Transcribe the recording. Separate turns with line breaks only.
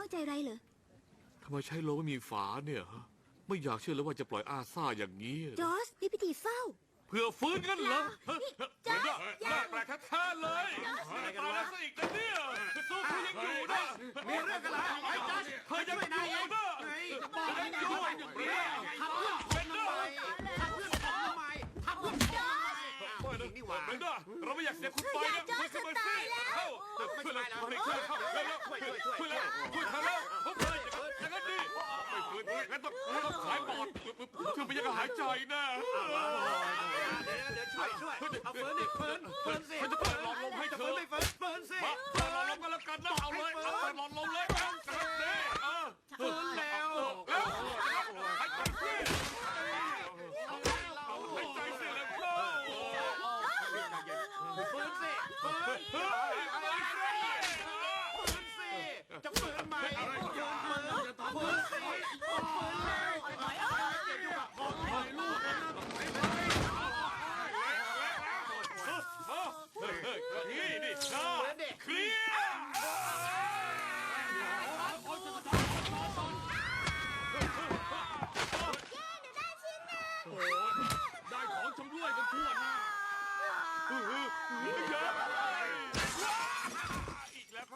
องใจอะไรเหรอ
ทำไมใช้โลไม่มีฝาเนี่ยฮะไม่อยากเชื่อเลยว่าจะปล่อยอาซ่าอย่างนี้
จอร์จนี่พิธีเฝ้า
เพื่อฟื้นกันเหรอ
จอร์จ
น่าแปลกแท้ๆเลยตายแล้วซะอีกนะเนี่ยสู้เขายังอยู่นะ
มีเรื่องกันแล้วไอ้จอร์จ
เธอยังอยู่นะ
บอกให้อยู่อย่างนี้ทำเพื่อนผมทำไมทำเพื่อนผมทำไมทำเพื่อนผมทำไม
ไม่นะ
นี่หว่า
เบนด้าเราไม่อยากเสียคุณไปนะ
จอร์จจะตายแล้ว
ช่วยเลยช่วยเข้าแล้วช่วยแล้วช่วยทำแล้วเขาเลยอย่างนั้นดิไม่ฟื้นงั้นต้องขายปอดคือไม่อยากหายใจนะ
เดี๋ยวช่วยเอาเฟิร์นดิเฟิร์นสิ
ฉันจะเปิดหลอดลมให้เธ
เฟิ
อ
ร์นไม่เฟิร์นสิ
มาเปิดหลอดลมกันแล้วกันนะเอาเลยเอาเปิดหลอดลมเลยกันนี่
เฟิร์นแล้ว
หายใจสิหายใจสิแล้วก็
เฟิร์นสิเฟิร์นเฟิร์นสิจะเฟิร์นไหมเฟิร์นสิเฟิร์นแล้วเฟิร์นอยู่กับพ่อคอยลูกนะ
นี่นี่นะเคลียร์ได้ของชำร่วยกันทั่วหน้าเยอะ